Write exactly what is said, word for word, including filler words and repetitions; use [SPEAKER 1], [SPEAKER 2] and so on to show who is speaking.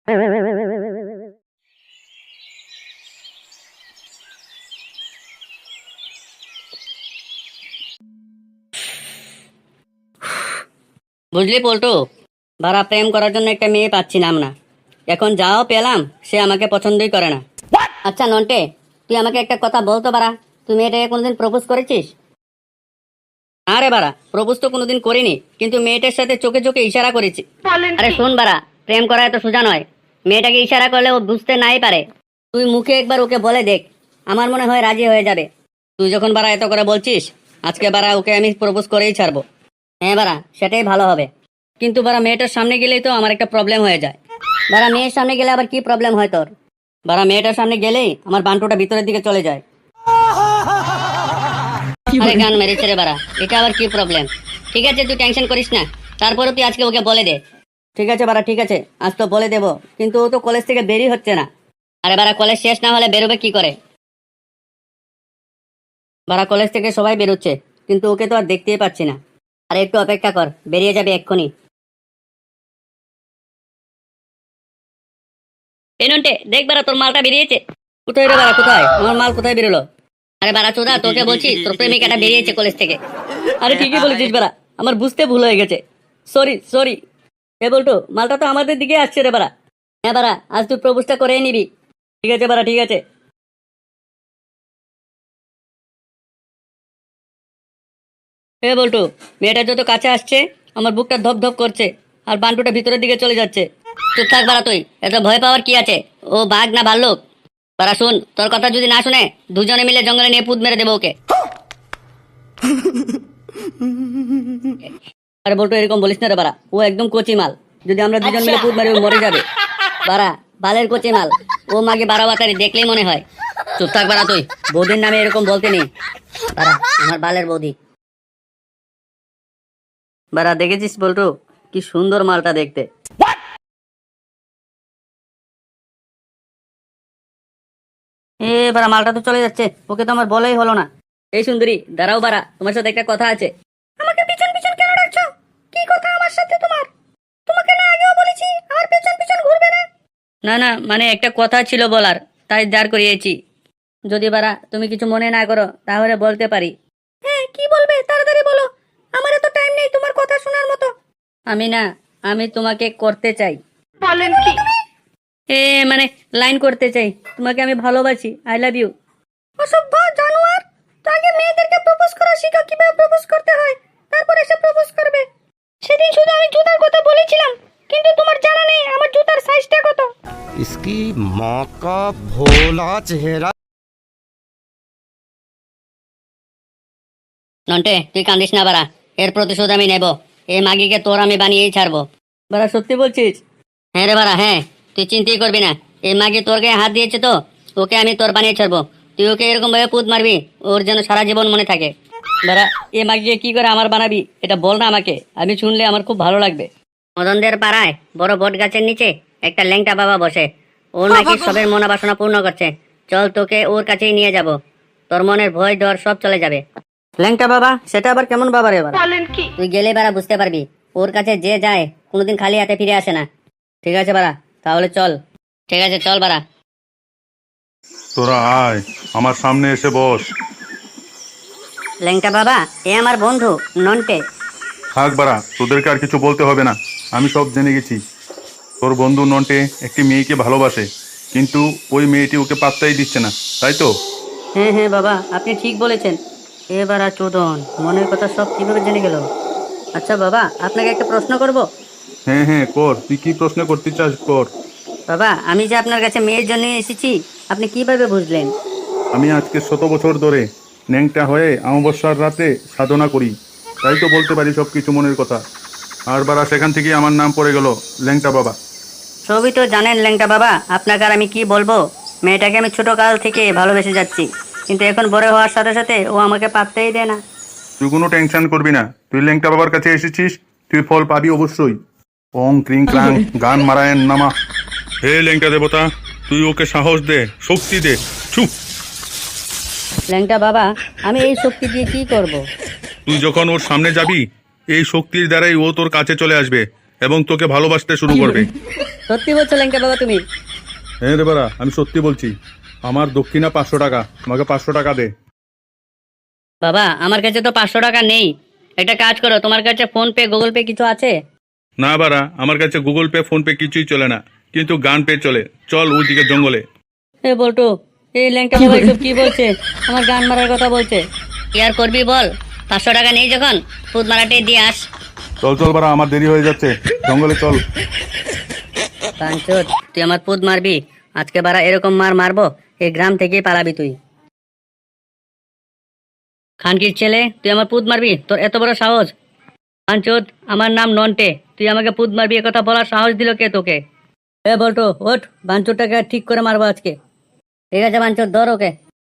[SPEAKER 1] বুঝলি পল্টু, বারা প্রেম করার জন্য একটা মেয়ে পাচ্ছিলাম না, এখন যাও পেলাম সে আমাকে পছন্দই করে না। আচ্ছা নন্টে, তুই আমাকে একটা কথা বলতো বারা, তুই মেয়েটাকে কোনোদিন প্রপোজ করেছিস? আরে বারা, প্রপোজ তো কোনোদিন করিনি, কিন্তু মেয়েটার সাথে চোখে চোখে ইশারা করেছি। আরে শোন বারা, প্রেম করা এত সোজা নয়, মেয়েটাকে ইশারা করলে ও বুঝতে নাই পারে। তুই মুখে একবার ওকে বলে দেখ, আমার মনে হয় রাজি হয়ে যাবে। তুই যখন বারা এত করে বলছিস, আজকে বারা ওকে আমি প্রপোজ করেই ছাড়বো। হ্যাঁ বারা, সেটাই ভালো হবে। কিন্তু বারা মেয়েটার সামনে গেলেই তো আমার একটা প্রবলেম হয়ে যায়। বারা মেয়ের সামনে গেলে আবার কি প্রবলেম হয় তোর? বারা মেয়েটার সামনে গেলেই আমার বান্টুটা ভিতরের দিকে চলে যায়। আরে গান মেরেছে রে বারা, এটা আবার কি প্রবলেম? ঠিক আছে তুই টেনশন করিস না, তারপরে তুই আজকে ওকে বলে দে। ঠিক আছে বারা, ঠিক আছে, আজ তো বলে দেবো, কিন্তু ও তো কলেজ থেকে বেরই হচ্ছে না। আরে বারা কলেজ শেষ না হলে বেরোবে কি করে? বারা কলেজ থেকে সবাই বেরোচ্ছে, কিন্তু ওকে তো আর দেখতেই পাচ্ছি না। আরে একটু অপেক্ষা কর, বেরিয়ে যাবে এক্ষুনি। পেনন্টে দেখ বারা, তোর মালটা বেরিয়েছে। কোথায় রে বারা, কোথায় আমার মাল, কোথায় বেরোলো? আরে বারা চোদা, তোকে বলছি তোর প্রেমিকাটা বেরিয়েছে কলেজ থেকে। আরে ঠিকই বলেছিস বারা, আমার বুঝতে ভুল হয়ে গেছে, সরি সরি। এ বলতো মালটা তো আমাদের দিকে আসছে রে বারা। হ্যাঁ বারা, আজ তুই প্রপোজটা করে নিবি। ঠিক আছে বারা, ঠিক আছে। এ বলতো, মেয়েটা যত কাছে আসছে আমার বুকটা ধপ ধপ করছে, আর বান্টুটা ভিতরের দিকে চলে যাচ্ছে। চুপ থাক বারা, তুই এত ভয় পাওয়ার কি আছে? ও বাঘ না ভাল্লুক? বারা শুন, তোর কথা যদি না শুনে দুজনে মিলে জঙ্গলে নিয়ে পুত মেরে দেবো ওকে। আরে বলতো এরকম বলিস না রে বারা, ও একদম কচি মাল, যদি আমরা দুজন মিলে পুত মেরে ও মরে যাবে। বারা বালের কচি মাল, ও মাগে বারো বাতারি দেখলেই মনে হয়। চুপ থাক বারা, তুই বৌদির নামে এরকম বলতে নেই। বারা আমার বালের বৌদি। বারা দেখেছিস বলতো কি সুন্দর মালটা দেখতে। এ বারা মালটা তো চলে যাচ্ছে, ওকে তো আমার বলাই হলো না। এই সুন্দরী দাঁড়াও বারা, তোমার সাথে একটা কথা আছে। আমাকে পিছন পিছন কেন ডাকছো? কি কথা আমার সাথে তোমার? তোমাকে না আগেও বলেছি আমার পেছন পিছন ঘুরবে না। না না, মানে একটা কথা ছিল বলার, তাই দাঁড় করিয়েছি। যদি বারা তুমি কিছু মনে না করো তাহলে বলতে পারি। হ্যাঁ কি বলবে, তাড়াতাড়ি বলো, আমার এত টাইম নেই তোমার কথা শোনার মতো। আমি না, আমি তোমাকে করতে চাই। বলেন কি? এ মানে লাইন করতে চাই, তোমাকে আমি ভালোবাসি, আই লাভ ইউ। অসভ্য জানোয়ার, তো আগে মেয়েদেরকে প্রপোজ করা শিখা, কিভাবে প্রপোজ করতে হয়, তারপর এসে প্রপোজ করবে। সেদিন শুধু আমি জুতার কথা বলেছিলাম, কিন্তু তোমার জানা নেই আমার জুতার সাইজটা কত।
[SPEAKER 2] इसकी माँ का भोला चेहरा।
[SPEAKER 1] নন্টে তুই কান্দিস না বারা, এর প্রতিশোধ আমি নেব। এই মাগিকে তোর আমি বানিয়েই ছাড়বো। বারা সত্যি বলছিস? হ্যাঁ রে বারা হ্যাঁ, তুই চিন্তাই করবি না। এই মাগি তোর গায়ে হাত দিয়েছে তো, ওকে আমি তোর বানিয়ে ছাড়বো। তুই ওকে এরকম ভাবে পুত মারবি, ওর যেন সারা জীবন মনে থাকে। বারা এই মাগিকে কি করে আমার বানাবি এটা বল না আমাকে, আমি শুনলে আমার খুব ভালো লাগবে। মদনদের পাড়ায় বড় বট গাছের নিচে একটা ল্যাংটা বাবা বসে, ওর নাকি সবের মনোবাসনা পূর্ণ করছে। চল তোকে ওর কাছেই নিয়ে যাব, তোর মনের ভয় ডর সব চলে যাবে। ল্যাংটা বাবা, সেটা আবার কেমন বাবা রে বাবা? বলেন কি? তুই গেলে বারা বুঝতে পারবি, ওর কাছে যে যায় কোনোদিন খালি হাতে ফিরে আসে না। ঠিক আছে বারা, তাহলে চল। ঠিক আছে চল বারা।
[SPEAKER 3] তোরা আয়, আমার সামনে এসে বস।
[SPEAKER 1] ল্যাংটা বাবা, এ আমার বন্ধু নন্টে।
[SPEAKER 3] থাক বাড়া, তোদেরকে আর কিছু বলতে হবে না, আমি সব জেনে গেছি। তোর বন্ধু নন্টে একটি মেয়েকে ভালোবাসে, কিন্তু ওই মেয়েটি ওকে পাত্তাই দিচ্ছে না, তাই তো?
[SPEAKER 1] হ্যাঁ হ্যাঁ বাবা, আপনি ঠিক বলেছেন। এবার আর চোদন মনের কথা সব কিভাবে জেনে গেল? আচ্ছা বাবা, আপনাকে একটা প্রশ্ন করব।
[SPEAKER 3] হ্যাঁ হ্যাঁ কর, তুই কি প্রশ্ন করতে চাস কর।
[SPEAKER 1] বাবা আমি যে আপনার কাছে মেয়ের জন্য এসেছি, আপনি কিভাবে বুঝলেন?
[SPEAKER 3] আমি আজকে শত বছর ধরে ন্যাংটা হয়ে অমাবস্যার রাতে সাধনা করি, তাই তো বলতে পারি সব কিছু মনের কথা। আর বাড়া সেখান থেকে আমার নাম পড়ে গেল ল্যাংটা বাবা।
[SPEAKER 1] সবই তো জানেন ল্যাংটা বাবা, আপনাকে আর আমি কি বলবো। মেয়েটাকে আমি ছোট কাল থেকে ভালোবেসে যাচ্ছি, কিন্তু এখন বড় হওয়ার সাথে সাথে ও আমাকে পাত্তাই দেয় না।
[SPEAKER 3] তুই কোনো টেনশন করবি না, তুই ল্যাংটা বাবার কাছে এসেছিস, তুই ফল পাবি অবশ্যই। ওং ক্রিং ক্লাং গান মারায়ণ নামা। হে ল্যাংটা দেবতা, তুই ওকে সাহস দে, শক্তি দে। ছু।
[SPEAKER 1] ল্যাংটা বাবা, আমি এই শক্তি দিয়ে কি করব?
[SPEAKER 3] তুই যখন ওর সামনে যাবি, এই শক্তির দ্বারাই ও তোর কাছে চলে আসবে। এবং তোকে ভালোবাসতে শুরু করবে।
[SPEAKER 1] সত্যি বলছো ল্যাংটা বাবা তুমি?
[SPEAKER 3] হ্যাঁ রে বাড়া, আমি সত্যি বলছি। আমার দক্ষিণা পাঁচশো টাকা, আমাকে পাঁচশো টাকা দে।
[SPEAKER 1] বাবা আমার কাছে তো পাঁচশো টাকা নেই, একটা কাজ করো, তোমার কাছে ফোন পে গুগল পে কিছু আছে?
[SPEAKER 3] না বাড়া, আমার কাছে গুগল পে ফোন পে কিছুই চলে না, কিন্তু গান পে চলে। চল ওইদিকে জঙ্গলে।
[SPEAKER 1] এ বলটু, এই ল্যাংটা বাবা এসব কি বলছে? আমার গান মারার কথা বলছে। কি আর করবি বল, পাঁচশো টাকা নেই যখন ফুদ মারাটে দিয়ে আস।
[SPEAKER 3] চল চল বাড়া, আমার দেরি হয়ে যাচ্ছে, জঙ্গলে চল।
[SPEAKER 1] পাঁচশোট, তুই আমার পুদ মারবি? আজকে বারা এরকম মার মারবো, এই গ্রাম থেকেই পালাবি তুই। খানকির ছেলে, তুই আমার পুদ মারবি? তোর এত বড় সাহস? পাঁচশোট, আমার নাম নন্টে, তুই আমাকে পুদ মারবি এ কথা বলার সাহস দিল কে তোকে? এ বলটু ওঠ, বাঞ্চুরটাকে ঠিক করে মারবো আজকে। ঠিক আছে বাঞ্চুর, ধর ওকে।